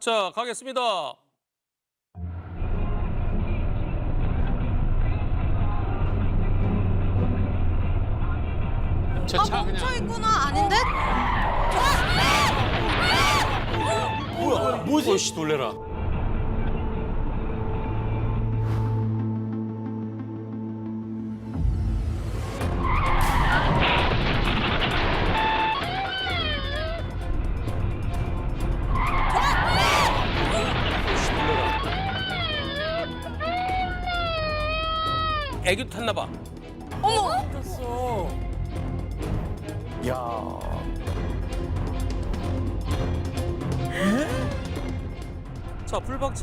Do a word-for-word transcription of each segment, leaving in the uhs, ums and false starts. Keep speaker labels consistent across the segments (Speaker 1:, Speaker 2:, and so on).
Speaker 1: 자, 가겠습니다.
Speaker 2: 저
Speaker 3: 아
Speaker 2: 차 그냥
Speaker 3: 멈춰 있구나. 아닌데?
Speaker 2: 뭐야? 뭐지? 씨 놀래라.
Speaker 1: 애교 탔나 봐.
Speaker 3: 어머.
Speaker 4: 떴어. 야.
Speaker 1: 자,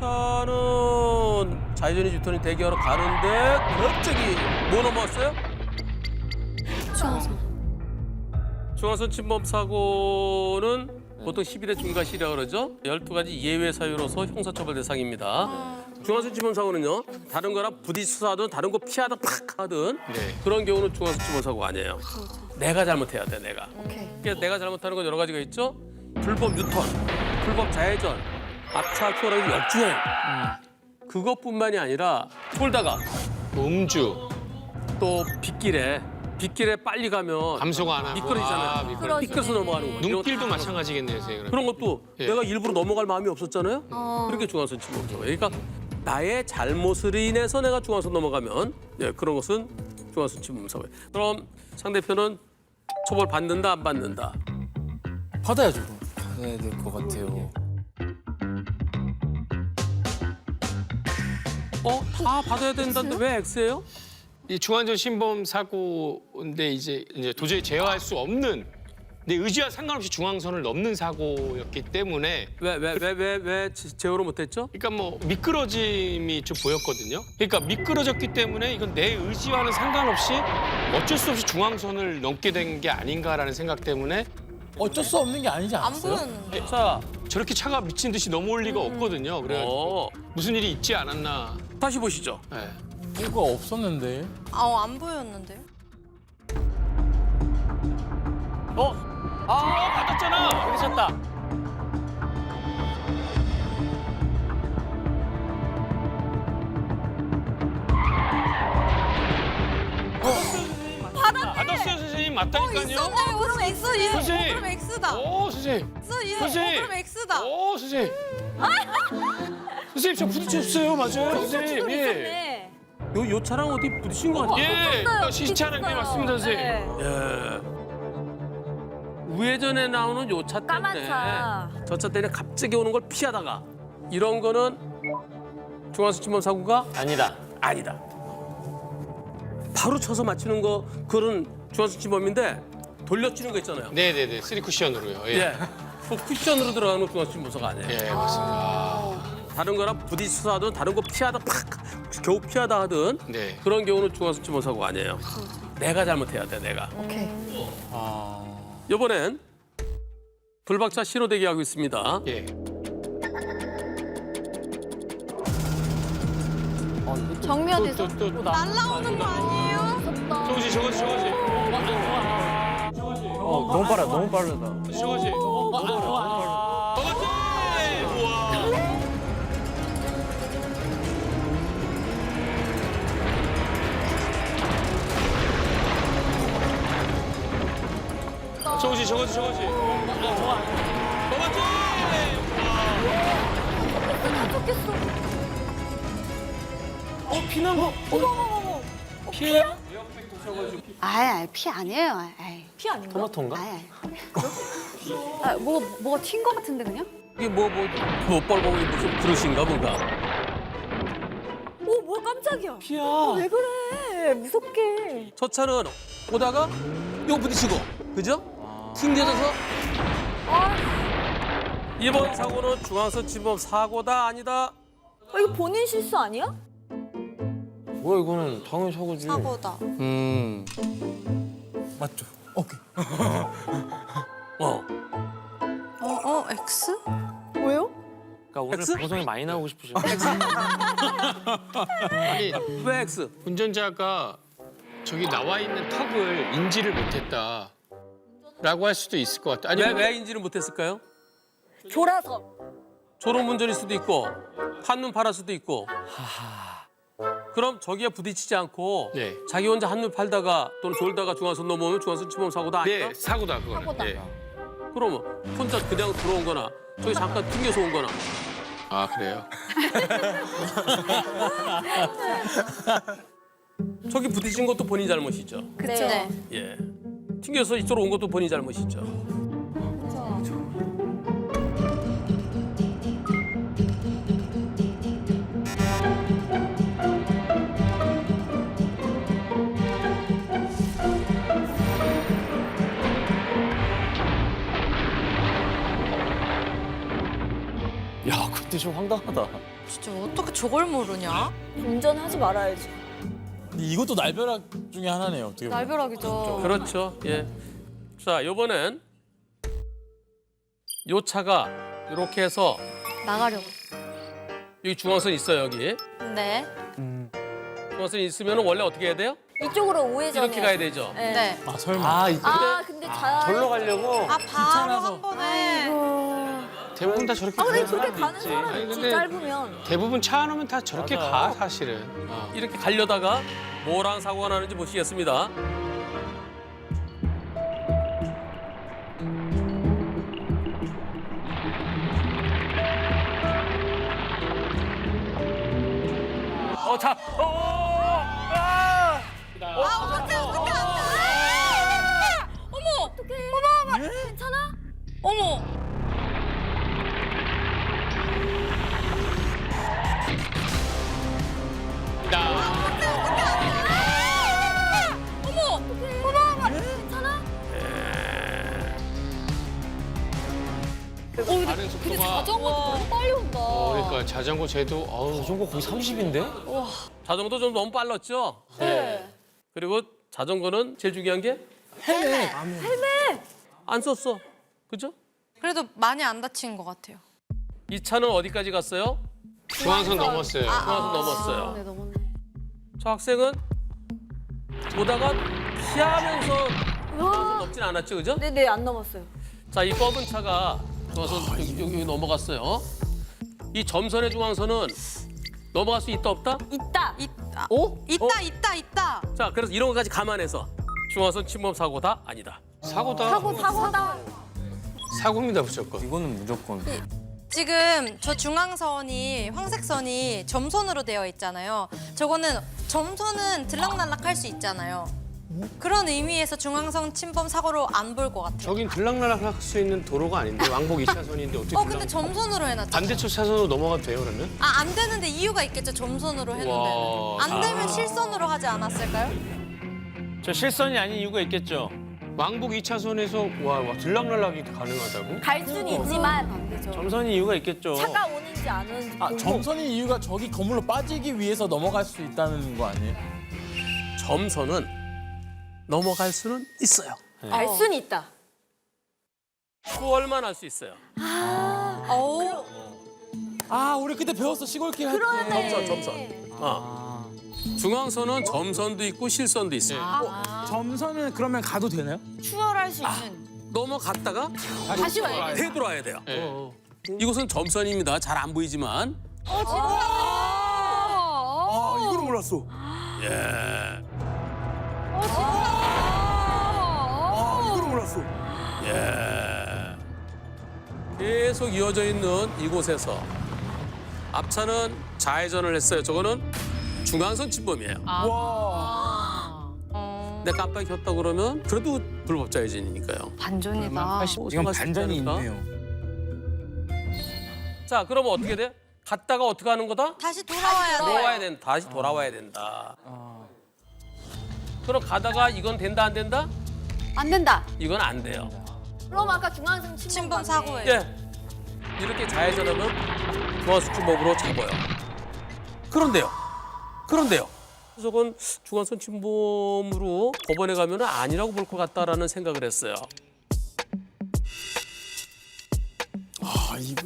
Speaker 1: 풀박차는 좌회전이 유턴이 대기하러 가는데 갑자기 뭐 넘어왔어요?
Speaker 3: 중앙선.
Speaker 1: 중앙선 침범 사고는 보통 십일 회 중과실이라고 그러죠. 열두 가지 예외 사유로서 형사처벌 대상입니다. 중앙선 침범 사고는요. 다른 거랑 부딪혀서 하든 다른 거 피하다 팍 하든
Speaker 2: 네.
Speaker 1: 그런 경우는 중앙선 침범 사고가 아니에요. 내가 잘못해야 돼, 내가.
Speaker 3: 오케이.
Speaker 1: 그래서 내가 잘못하는 건 여러 가지가 있죠. 불법 유턴, 불법 좌회전, 앞차 추월하기 역주행. 그것뿐만이 아니라 돌다가
Speaker 2: 음주,
Speaker 1: 또 빗길에 빗길에 빨리 가면
Speaker 2: 감소가 안 하고.
Speaker 1: 미끄러지잖아요.
Speaker 2: 아, 미끄러.
Speaker 1: 미끄러서 넘어가는 거. 이런
Speaker 2: 눈길도
Speaker 1: 거 다
Speaker 2: 마찬가지겠네요, 선생님.
Speaker 1: 그런 것도
Speaker 2: 예.
Speaker 1: 내가 일부러 넘어갈 마음이 없었잖아요.
Speaker 3: 어.
Speaker 1: 그렇게 중앙선 침범죠. 그러니까 나의 잘못을 인해서 내가 중앙선 넘어가면 예, 그런 것은 중앙선 침범 사고예요. 그럼 상대편은 처벌 받는다 안 받는다?
Speaker 4: 받아야죠. 받아야 될 것 같아요.
Speaker 1: 어? 다 받아야 된다는데 왜 X예요?
Speaker 2: 이 중환전 신범 사고인데 이제 이제 도저히 제어할 수 없는 내 의지와 상관없이 중앙선을 넘는 사고였기 때문에
Speaker 1: 왜 왜 왜 왜 왜 제어를 못했죠?
Speaker 2: 그러니까 뭐 미끄러짐이 좀 보였거든요. 그러니까 미끄러졌기 때문에 이건 내 의지와는 상관없이 어쩔 수 없이 중앙선을 넘게 된 게 아닌가라는 생각 때문에
Speaker 4: 어쩔 수 없는 게 아니지
Speaker 3: 안
Speaker 4: 않았어요?
Speaker 3: 보였는데.
Speaker 1: 자,
Speaker 2: 저렇게 차가 미친 듯이 넘어올 리가 없거든요. 그래가지고
Speaker 1: 어,
Speaker 2: 무슨 일이 있지 않았나.
Speaker 1: 다시 보시죠.
Speaker 2: 네.
Speaker 4: 뭐가 없었는데.
Speaker 3: 아안 보였는데요?
Speaker 1: 어?
Speaker 2: 아 받았잖아.
Speaker 4: 그러셨다.
Speaker 2: 받았어요 선생님. 맞다니까요.
Speaker 3: 있었네. 그럼 X. 이-
Speaker 2: 선생님.
Speaker 3: 그럼 X다.
Speaker 2: 오 선생님.
Speaker 3: X. 이-
Speaker 2: 선생님.
Speaker 3: 그럼 X다.
Speaker 2: 오 선생님. 선생님 저 부딪혔어요. 맞아요 선생님. 예.
Speaker 1: 요, 요 차랑 어디 부딪힌 것 같아요.
Speaker 2: 예. 시차랑 게 맞습니다 선생님.
Speaker 1: 예. 우회전에 나오는 요 차
Speaker 5: 까만
Speaker 1: 때문에
Speaker 5: 차.
Speaker 1: 저 차 때문에 갑자기 오는 걸 피하다가 이런 거는 중앙선 침범 사고가
Speaker 4: 아니다.
Speaker 1: 아니다. 바로 쳐서 맞추는 거 그런 중앙선 침범인데 돌려치는 거 있잖아요.
Speaker 2: 네네네. 쓰리 쿠션으로요. 예.
Speaker 1: 예. 그 쿠션으로 들어가는 중앙선 침범 사고 아니에요.
Speaker 2: 예 맞습니다.
Speaker 1: 다른 거랑 부딪혀서 하든 다른 거 피하다 팍 겨우 피하다 하든
Speaker 2: 네.
Speaker 1: 그런 경우는 중앙선 침범 사고가 아니에요. 내가 잘못해야 돼, 내가.
Speaker 3: 오케이.
Speaker 4: 아.
Speaker 1: 이번엔 불박차 신호대기 하고 있습니다.
Speaker 2: 예.
Speaker 3: 정면
Speaker 2: 또
Speaker 3: 어디서?
Speaker 2: 또 또.
Speaker 3: 날라오는 거 아니에요?
Speaker 2: 저거지 저거지 저거지.
Speaker 4: 어, 너무 빠르다. 너무 빠르다.
Speaker 2: 저거지. 저거지. 우와. 저거지 저거지 저거지. 저거지.
Speaker 4: 어, 피난 거.
Speaker 1: 피해요?
Speaker 6: 아이, 아이, 피 아니에요. 아이,
Speaker 5: 피 아닌가?
Speaker 4: 토마토인가?
Speaker 6: 아이, 아이. 아, 뭐, 뭐가 튄 거 같은데, 그냥?
Speaker 1: 이게 뭐, 뭐, 뭐, 뻘봉이 무슨 그릇인가 뭔가.
Speaker 5: 오, 뭐야 깜짝이야.
Speaker 4: 피야.
Speaker 5: 왜 그래? 무섭게.
Speaker 1: 저 차는 오다가 요 부딪히고, 그죠? 튕겨져서. 이번 사고는 중앙선 침범 사고다 아니다.
Speaker 5: 어, 이거 본인 실수 아니야?
Speaker 4: 뭐야, 이거는 당연히 사고지.
Speaker 3: 사고다.
Speaker 2: 음.
Speaker 4: 맞죠? 오케이.
Speaker 1: 어.
Speaker 3: 어, 어, X?
Speaker 5: 왜요?
Speaker 4: 그러니까 오늘
Speaker 1: X?
Speaker 4: 방송에 많이 나오고 싶으신
Speaker 2: 아니
Speaker 1: 왜 X?
Speaker 2: 운전자가 저기 나와 있는 턱을 인지를 못했다라고 할 수도 있을 것 같아. 아니
Speaker 1: 왜, 왜 인지를 못했을까요?
Speaker 5: 졸아서.
Speaker 1: 졸음운전일 수도 있고 한눈 팔았을 수도 있고. 그럼 저기에 부딪히지 않고
Speaker 2: 네.
Speaker 1: 자기 혼자 한눈 팔다가 또는 졸다가 중앙선 넘어오면 중앙선 침범 사고도 아니다.
Speaker 2: 네, 사고다 그거는.
Speaker 5: 사고다.
Speaker 2: 예.
Speaker 1: 그러면 혼자 그냥 들어온 거나 저기 잠깐 튕겨서 온 거나.
Speaker 2: 아 그래요?
Speaker 1: 저기 부딪힌 것도 본인 잘못이죠.
Speaker 3: 그쵸.
Speaker 6: 네.
Speaker 1: 예. 튕겨서 이쪽으로 온 것도 본인 잘못이죠.
Speaker 4: 야, 그때 좀 황당하다.
Speaker 3: 진짜 어떻게 저걸 모르냐?
Speaker 5: 운전하지 말아야지.
Speaker 4: 근데 이것도 날벼락 중에 하나네요. 어떻게 보면.
Speaker 3: 날벼락이죠.
Speaker 1: 그렇죠. 예. 자, 이번엔 요 차가 이렇게 해서
Speaker 3: 나가려고.
Speaker 1: 여기 중앙선 있어요, 여기.
Speaker 3: 네.
Speaker 1: 중앙선이 있으면 원래 어떻게 해야 돼요?
Speaker 5: 이쪽으로 우회전해.
Speaker 1: 이렇게 가야 되죠.
Speaker 5: 네.
Speaker 3: 네.
Speaker 4: 아, 설마.
Speaker 7: 아, 이-
Speaker 5: 아 근데 잘.
Speaker 7: 절로 가려고?
Speaker 3: 아, 바로 한 번에.
Speaker 2: 대부분 다 저렇게
Speaker 5: 아 근데
Speaker 2: 가는
Speaker 5: 그렇게
Speaker 2: 사람이
Speaker 5: 가는
Speaker 2: 있지.
Speaker 5: 사람
Speaker 2: 아니,
Speaker 5: 있지
Speaker 2: 근데
Speaker 5: 짧으면.
Speaker 2: 대부분 차 안 오면 다 저렇게
Speaker 7: 맞아.
Speaker 2: 가 사실은. 어.
Speaker 1: 이렇게 가려다가 뭐랑 사고가 나는지 보시겠습니다. 어, 자, 어, 어, 아!
Speaker 5: 괜찮아?
Speaker 3: 어머.
Speaker 2: 다른 속도가.
Speaker 5: 자전거 너무 빨리 온다.
Speaker 2: 어, 그러니까 자전거 쟤도 어우
Speaker 7: 자전거 거의 삼십인데?
Speaker 1: 자전거도 좀 너무 빨랐죠?
Speaker 5: 네.
Speaker 1: 그리고 자전거는 제일 중요한 게
Speaker 4: 헬멧.
Speaker 1: 안 썼어. 그죠?
Speaker 3: 그래도 많이 안 다친 것 같아요.
Speaker 1: 이 차는 어디까지 갔어요?
Speaker 2: 중앙선 넘었어요.
Speaker 1: 중앙선 넘었어요.
Speaker 6: 아, 네, 넘었네.
Speaker 1: 저 학생은 보다가 피하면서 중앙선 넘진 않았죠, 그죠?
Speaker 5: 네네 안 넘었어요.
Speaker 1: 자, 이 검은 차가 중앙선 여기, 여기, 여기 넘어갔어요. 이 점선의 중앙선은 넘어갈 수 있다 없다?
Speaker 5: 있다.
Speaker 3: 있다.
Speaker 1: 어?
Speaker 3: 있다, 있다, 있다.
Speaker 1: 자, 그래서 이런 것까지 감안해서 중앙선 침범 사고다 아니다.
Speaker 2: 사고다.
Speaker 5: 사고 사고다.
Speaker 2: 사고입니다 무조건.
Speaker 4: 이거는 무조건.
Speaker 3: 지금 저 중앙선이 황색선이 점선으로 되어 있잖아요. 저거는 점선은 들락날락할 수 있잖아요. 그런 의미에서 중앙선 침범 사고로 안 볼 것 같아요.
Speaker 2: 저긴 들락날락 할 수 있는 도로가 아닌데 왕복 이 차선인데 어떻게
Speaker 3: 어
Speaker 2: 들락...
Speaker 3: 근데 점선으로 해놨죠.
Speaker 2: 반대쪽 차선으로 넘어가도 돼요 그러면?
Speaker 3: 아 안 되는데 이유가 있겠죠. 점선으로 했는데.
Speaker 2: 와,
Speaker 3: 안 되면 실선으로 하지 않았을까요?
Speaker 7: 저 실선이 아닌 이유가 있겠죠?
Speaker 2: 왕복 이 차선에서 와, 와 들락날락이 가능하다고?
Speaker 5: 갈 수는 있지만
Speaker 6: 안 되죠.
Speaker 7: 점선이 이유가 있겠죠.
Speaker 5: 차가 오는지 안 오는지
Speaker 4: 아,
Speaker 5: 보고.
Speaker 4: 점선이 이유가 저기 건물로 빠지기 위해서 넘어갈 수 있다는 거 아니에요?
Speaker 1: 점선은 넘어갈 수는 있어요.
Speaker 5: 갈 수는 있다.
Speaker 1: 추월만 할 수 있어요.
Speaker 3: 어우.
Speaker 4: 아, 우리 그때 배웠어. 시골길 할 때.
Speaker 1: 점선, 점선. 어. 중앙선은 점선도 있고 실선도 있어요.
Speaker 4: 점선은 그러면 가도 되나요?
Speaker 3: 추월할 수 있는.
Speaker 1: 넘어갔다가
Speaker 5: 다시 와야 돼.
Speaker 1: 되돌아야 돼요.
Speaker 2: 네.
Speaker 1: 이곳은 점선입니다. 잘 안 보이지만.
Speaker 4: 아, 이거는 몰랐어.
Speaker 1: 예.
Speaker 4: 아, 이거는 몰랐어.
Speaker 1: 예. 계속 이어져 있는 이곳에서 앞차는 좌회전을 했어요. 저거는 중앙선 침범이에요.
Speaker 4: 와.
Speaker 1: 근데 깜빡이 켰다 그러면 그래도 불법 좌회전이니까요.
Speaker 3: 반전이다.
Speaker 4: 이건 반전이 있네요.
Speaker 1: 자, 그러면 어떻게 돼? 갔다가 어떻게 하는 거다?
Speaker 3: 다시 돌아와야 돼.
Speaker 1: 돌아와야 된다. 다시 돌아와야 된다. 그럼 가다가 이건 된다 안 된다?
Speaker 6: 안 된다.
Speaker 1: 이건 안 돼요.
Speaker 5: 그럼 아까 중앙선 침범
Speaker 3: 침범
Speaker 5: 맞네.
Speaker 3: 사고예요.
Speaker 1: 예. 이렇게 좌회전하면 중앙선 침범으로 잡아요. 그런데요. 그런데요. 저건 중앙선 침범으로 법원에 가면 아니라고 볼 것 같다라는 생각을 했어요.
Speaker 4: 아, 이거.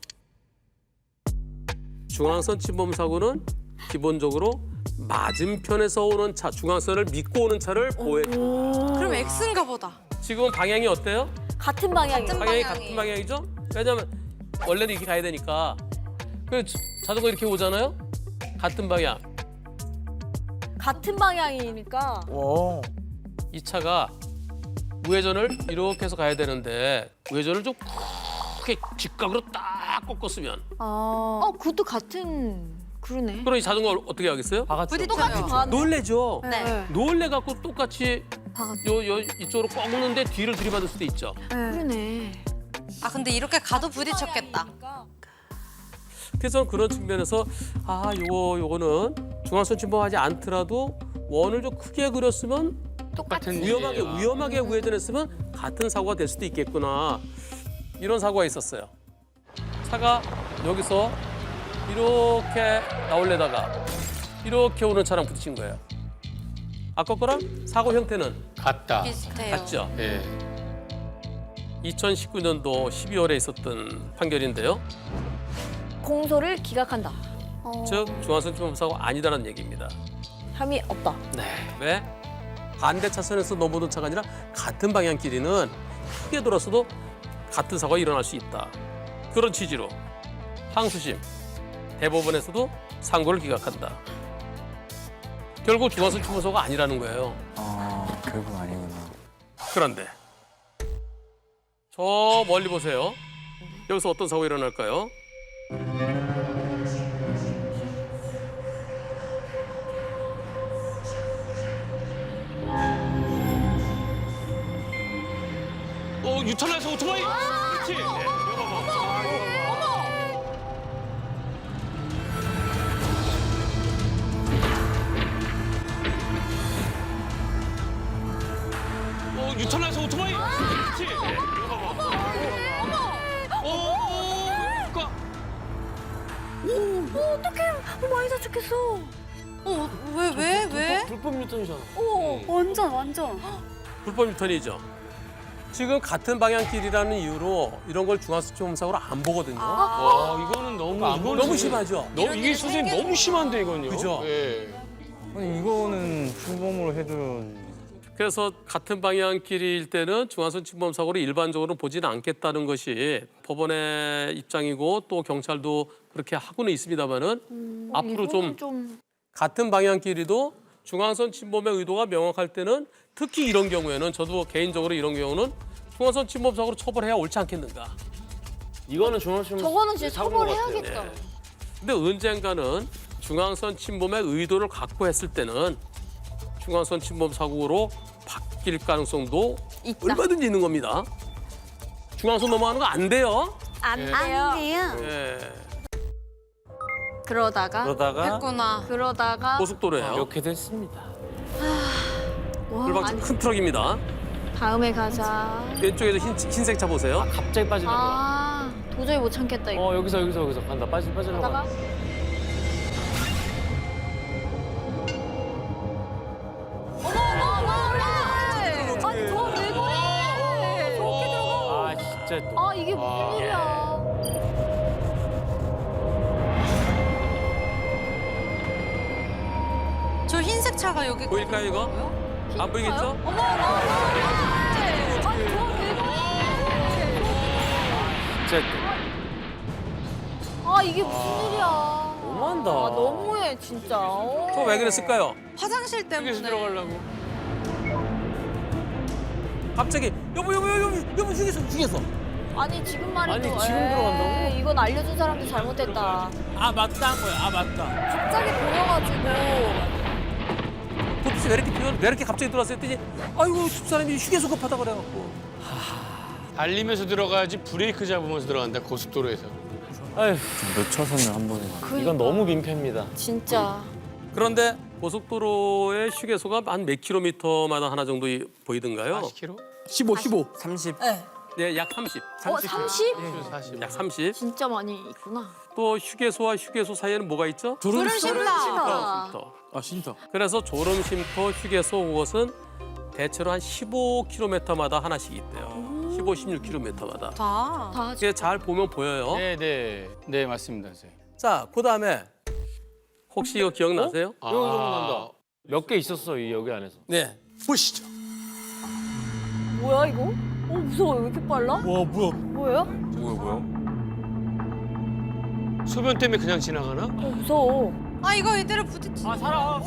Speaker 1: 중앙선 침범 사고는 기본적으로 맞은편에서 오는 차, 중앙선을 믿고 오는 차를 보호해줍니다.
Speaker 3: 그럼 X인가 보다.
Speaker 1: 지금 방향이 어때요?
Speaker 5: 같은 방향이요.
Speaker 3: 같은
Speaker 1: 방향이
Speaker 3: 방향이.
Speaker 1: 같은 방향이죠? 왜냐하면 원래는 이렇게 가야 되니까 그 자전거 이렇게 오잖아요. 같은 방향.
Speaker 5: 같은 방향이니까.
Speaker 7: 와.
Speaker 1: 이 차가 우회전을 이렇게 해서 가야 되는데 우회전을 좀 크게 직각으로 딱 꺾었으면
Speaker 6: 아.
Speaker 5: 어, 그것도 같은 그러네.
Speaker 1: 그럼 이 자전거 어떻게 하겠어요?
Speaker 6: 부딪혀요.
Speaker 5: 똑같이 가네.
Speaker 1: 놀래죠.
Speaker 3: 네.
Speaker 1: 놀래 갖고 똑같이
Speaker 6: 박았죠.
Speaker 1: 요, 요 이쪽으로 꺾는데 뒤를 들이받을 수도 있죠.
Speaker 5: 그러네.
Speaker 3: 아 근데 이렇게 가도 부딪혔겠다.
Speaker 1: 그래서 그런 측면에서 아 요거 요거는 중앙선 침범하지 않더라도 원을 좀 크게 그렸으면
Speaker 2: 똑같은
Speaker 1: 위험하게
Speaker 2: 일이야.
Speaker 1: 위험하게 우회전했으면 같은 사고가 될 수도 있겠구나 이런 사고가 있었어요. 차가 여기서 이렇게 나올래다가 이렇게 오는 차랑 부딪힌 거예요. 아까 거랑 사고 형태는
Speaker 2: 같다.
Speaker 3: 비슷해요.
Speaker 1: 같죠.
Speaker 2: 예.
Speaker 1: 이천십구 년도 십이월에 있었던 판결인데요.
Speaker 5: 공소를 기각한다.
Speaker 6: 어.
Speaker 1: 즉 중앙선 침범 사고 아니다라는 얘기입니다.
Speaker 5: 혐의 없다.
Speaker 1: 네. 왜? 반대 차선에서 넘어오는 차가 아니라 같은 방향끼리는 크게 돌았어도 같은 사고가 일어날 수 있다. 그런 취지로 항소심, 대법원에서도 상고를 기각한다. 결국 중앙선 침범 사고가 아니라는 거예요.
Speaker 4: 아 결국 아니구나.
Speaker 1: 그런데 저 멀리 보세요. 여기서 어떤 사고가 일어날까요?
Speaker 2: 어, 유턴해서 오토바이. 그렇지. 네. 이거 봐봐. 어, 유턴해서 오토바이. 그렇지. 네. 이거 봐봐. 어, 어, 그러니까
Speaker 6: 어떡해. 많이 다쳤겠어.
Speaker 3: 어, 왜, 왜, 왜?
Speaker 7: 불법 유턴이잖아.
Speaker 6: 완전 완전.
Speaker 1: 불법 유턴이죠. 지금 같은 방향길이라는 이유로 이런 걸 중앙선 침범 사고로 안 보거든요.
Speaker 2: 와, 이거는 너무
Speaker 1: 안
Speaker 2: 이거는
Speaker 1: 너무 심하죠.
Speaker 2: 너무 이게 선생님 너무 심한데 이건요.
Speaker 1: 그죠?
Speaker 2: 예.
Speaker 7: 아니 이거는 출범으로 해도
Speaker 1: 그래서 같은 방향길일 때는 중앙선 침범 사고를 일반적으로 보지는 않겠다는 것이 법원의 입장이고 또 경찰도 그렇게 하고는 있습니다만은 앞으로 좀,
Speaker 5: 좀
Speaker 1: 같은 방향길이도 중앙선 침범의 의도가 명확할 때는 특히 이런 경우에는 저도 개인적으로 이런 경우는 중앙선 침범 사고로 처벌해야 옳지 않겠는가.
Speaker 7: 이거는 중앙선
Speaker 5: 저거는 진짜
Speaker 7: 사고인 것 같아요.
Speaker 5: 처벌해야겠다.
Speaker 1: 네. 근데 언젠가는 중앙선 침범의 의도를 갖고 했을 때는 중앙선 침범 사고로 바뀔 가능성도
Speaker 5: 있다.
Speaker 1: 얼마든지 있는 겁니다. 중앙선 넘어가는 거 안 돼요.
Speaker 5: 안
Speaker 2: 예.
Speaker 5: 돼요.
Speaker 6: 안 돼요.
Speaker 1: 예.
Speaker 5: 그러다가
Speaker 7: 그러다가
Speaker 3: 했구나.
Speaker 5: 그러다가
Speaker 1: 고속도로예요.
Speaker 7: 이렇게 됐습니다.
Speaker 5: 와,
Speaker 1: 불박
Speaker 5: 아니,
Speaker 1: 큰 트럭입니다.
Speaker 5: 다음에 가자.
Speaker 1: 왼쪽에서 흰, 흰색 차 보세요.
Speaker 7: 갑자기 빠지는 거야.
Speaker 5: 아, 도저히 못 참겠다 이거.
Speaker 7: 어 여기서 여기서 여기서 간다. 빠지 빠지려고.
Speaker 5: 그러다가 아니 저왜 그래? 저렇게 들어가.
Speaker 7: 아 진짜 또.
Speaker 5: 아 이게 무슨
Speaker 2: 아,
Speaker 5: 일이야?
Speaker 3: 저 흰색 차가 여기
Speaker 1: 보일까요, 이거?
Speaker 3: 있거든요?
Speaker 1: 안 보이겠죠?
Speaker 5: 어머 어머 어머. 아니 저왜 그래?
Speaker 7: 진짜
Speaker 5: 아 이게 무슨 일이야?
Speaker 7: 너무한다.
Speaker 5: 아 너무해 진짜. 어.
Speaker 1: 저 왜 그랬을까요?
Speaker 3: 화장실 때문에.
Speaker 2: 휴게소 들어가려고.
Speaker 1: 갑자기 여보 여보 여보 여보 휴게소 휴게소.
Speaker 5: 아니 지금 말해도
Speaker 7: 아니, 지금
Speaker 5: 에이,
Speaker 7: 들어간다고?
Speaker 5: 이건 알려준 사람도 잘못됐다.
Speaker 1: 아 맞다 한 거야. 아 맞다.
Speaker 5: 갑자기 보여가지고
Speaker 1: 도대체 왜 이렇게 뛰어- 왜 이렇게 갑자기 들어왔어 했더니 아이고 집사람이 휴게소 급하다 그래갖고.
Speaker 2: 달리면서 들어가야지 브레이크 잡으면서 들어간다 고속도로에서.
Speaker 7: 아휴
Speaker 4: 몇 차선을 한 번에 가.
Speaker 7: 이건 너무 민폐입니다.
Speaker 5: 진짜
Speaker 1: 그런데 고속도로의 휴게소가 한 몇 킬로미터마다 하나 정도 이- 보이던가요?
Speaker 2: 사십 킬로미터?
Speaker 1: 십오, 십오.
Speaker 4: 삼십.
Speaker 1: 네, 약 삼십.
Speaker 5: 어 삼십?
Speaker 2: 사십.
Speaker 1: 약 삼십.
Speaker 5: 진짜 많이 있구나.
Speaker 1: 또 휴게소와 휴게소 사이에는 뭐가 있죠?
Speaker 3: 졸음쉼터.
Speaker 1: 쉼터.
Speaker 4: 아 쉼터.
Speaker 1: 그래서 졸음쉼터, 휴게소 그것은 대체로 한 십오 킬로미터마다 하나씩 있대요. 십오, 십육 킬로미터마다.
Speaker 3: 다.
Speaker 5: 다
Speaker 1: 이게 잘 보면 보여요.
Speaker 2: 네, 네. 네, 맞습니다, 선생님.
Speaker 1: 자, 그다음에 혹시 이거 기억나세요?
Speaker 2: 아,
Speaker 7: 이거 기억난다. 몇 개 있었어 이 여기 안에서.
Speaker 1: 네. 보시죠.
Speaker 5: 뭐야 이거? 어 무서워 왜 이렇게 빨라?
Speaker 4: 와 뭐야?
Speaker 5: 뭐예요?
Speaker 4: 뭐야 뭐야?
Speaker 2: 소변 때문에 그냥 지나가나?
Speaker 5: 어, 무서워.
Speaker 3: 아 이거 이대로 부딪히.
Speaker 7: 아 살아.
Speaker 5: 어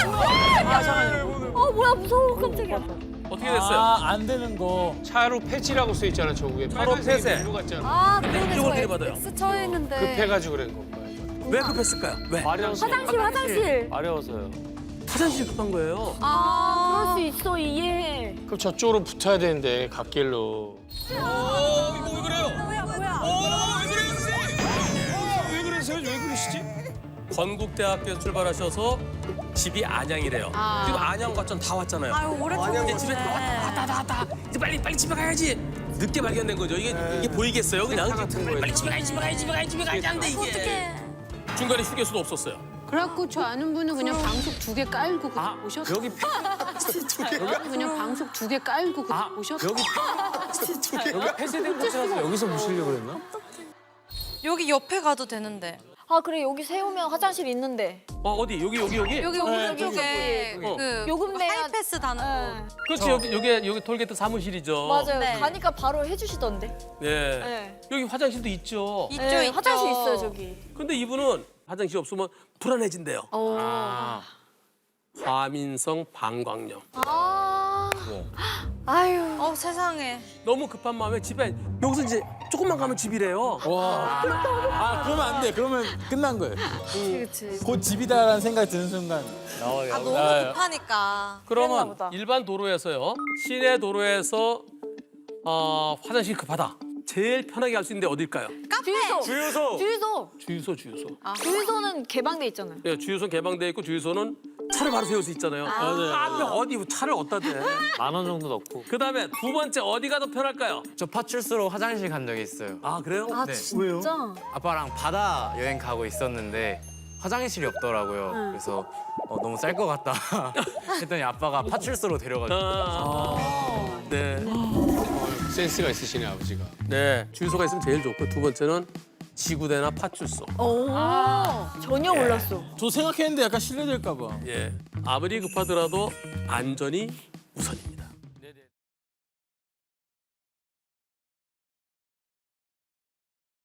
Speaker 5: 뭐야 무서워 깜짝이야.
Speaker 1: 어떻게 됐어요?
Speaker 4: 아, 안 되는 거.
Speaker 2: 차로 폐지라고 써 있잖아 저국에.
Speaker 1: 차로 폐쇄.
Speaker 2: 일로 갔잖아.
Speaker 6: 아, 그러네.
Speaker 1: 이쪽으로
Speaker 6: 저
Speaker 1: 들이받아요.
Speaker 6: X 처해 있는데.
Speaker 2: 급해가지고 그런 건가?
Speaker 1: 왜 급했을까요? 왜?
Speaker 7: 마려워서.
Speaker 5: 화장실 화장실.
Speaker 7: 마려워서요.
Speaker 1: 화장실 급한 거예요.
Speaker 5: 아 그럴 수 있어 이해해.
Speaker 2: 그럼 저쪽으로 붙어야 되는데 갓길로. 어 이거 왜 그래요?
Speaker 5: 뭐야 뭐야.
Speaker 2: 어왜 그래요 선생님? 왜 그러세요? 왜 그러시지?
Speaker 1: 건국대학교에서 출발하셔서 집이 안양이래요.
Speaker 3: 아.
Speaker 1: 지금 안양 과천 다 왔잖아요.
Speaker 3: 아유 오래
Speaker 1: 이제 집에 왔다 왔다 왔다 왔다. 이제 빨리 빨리 집에 가야지. 늦게 발견된 거죠. 이게 이게 보이겠어요? 그냥 빨리, 빨리 집에 가야지 집에 가야지 집에 가야지 집에 가야지 하는데 이게 중간에 휴게소도 없었어요.
Speaker 8: 그래갖고 저 아는 분은 그냥 방석 두 개 깔고 그냥 오셨어요.
Speaker 7: 여기
Speaker 8: 그냥 방석 두 개 깔고 그냥 오셨어요.
Speaker 7: 여기 여기 폐쇄된 곳이라서 여기서 무시려고 그랬나?
Speaker 3: 여기 옆에 가도 되는데.
Speaker 5: 아 그래 여기 세우면 화장실 있는데.
Speaker 1: 어 어디 여기 여기 여기?
Speaker 3: 여기
Speaker 5: 여기,
Speaker 3: 오른쪽에
Speaker 1: 여기.
Speaker 3: 그
Speaker 5: 요금 내야-
Speaker 3: 하이패스 다는
Speaker 5: 네.
Speaker 1: 그렇지 여기 여기 여기 톨게이트 사무실이죠.
Speaker 5: 맞아요.
Speaker 3: 네.
Speaker 5: 가니까 바로 해주시던데.
Speaker 1: 네.
Speaker 5: 네.
Speaker 1: 여기 화장실도 있죠.
Speaker 3: 있죠
Speaker 5: 네,
Speaker 3: 있죠.
Speaker 5: 화장실 있어요 저기.
Speaker 1: 근데 이분은 화장실 없으면 불안해진대요.
Speaker 7: 아.
Speaker 1: 화민성 방광염.
Speaker 5: 아. 아유.
Speaker 3: 어 세상에.
Speaker 1: 너무 급한 마음에 집에 여기서 이제 조금만 가면 집이래요.
Speaker 4: 와. 아, 그러면 안 돼. 그러면 끝난 거예요.
Speaker 5: 그치 그치.
Speaker 4: 곧 집이다라는 생각이 드는 순간.
Speaker 7: 나와요.
Speaker 3: 아 너무
Speaker 4: 나와요.
Speaker 3: 급하니까.
Speaker 1: 그러면
Speaker 5: 보다.
Speaker 1: 일반 도로에서요. 시내 도로에서 어, 화장실 급하다. 제일 편하게 갈 수 있는데 어딜까요?
Speaker 5: 주유소.
Speaker 7: 주유소.
Speaker 5: 주유소.
Speaker 1: 주유소, 주유소.
Speaker 5: 주유소는 개방돼 있잖아요.
Speaker 1: 예, 주유소 개방돼 있고 주유소는 차를 바로 세울 수 있잖아요. 아, 앞에 어디 차를 어디다 대.
Speaker 7: 만 원 정도 넣고.
Speaker 1: 그다음에 두 번째 어디가 더 편할까요?
Speaker 9: 저 파출소로 화장실 간 적이 있어요.
Speaker 1: 아 그래요?
Speaker 5: 아
Speaker 9: 네.
Speaker 5: 진짜?
Speaker 9: 아빠랑 바다 여행 가고 있었는데 화장실이 없더라고요. 그래서 어, 너무 쌀 것 같다 했더니 아빠가 파출소로 데려가지고
Speaker 1: 아, 네.
Speaker 2: 센스가 있으시네 아버지가.
Speaker 1: 네, 주유소가 있으면 제일 좋고 두 번째는 지구대나 파출소.
Speaker 5: 오. 전혀 몰랐어.
Speaker 4: 저 생각했는데 약간 실례될까 봐.
Speaker 1: 예, 아무리 급하더라도 안전이 우선입니다.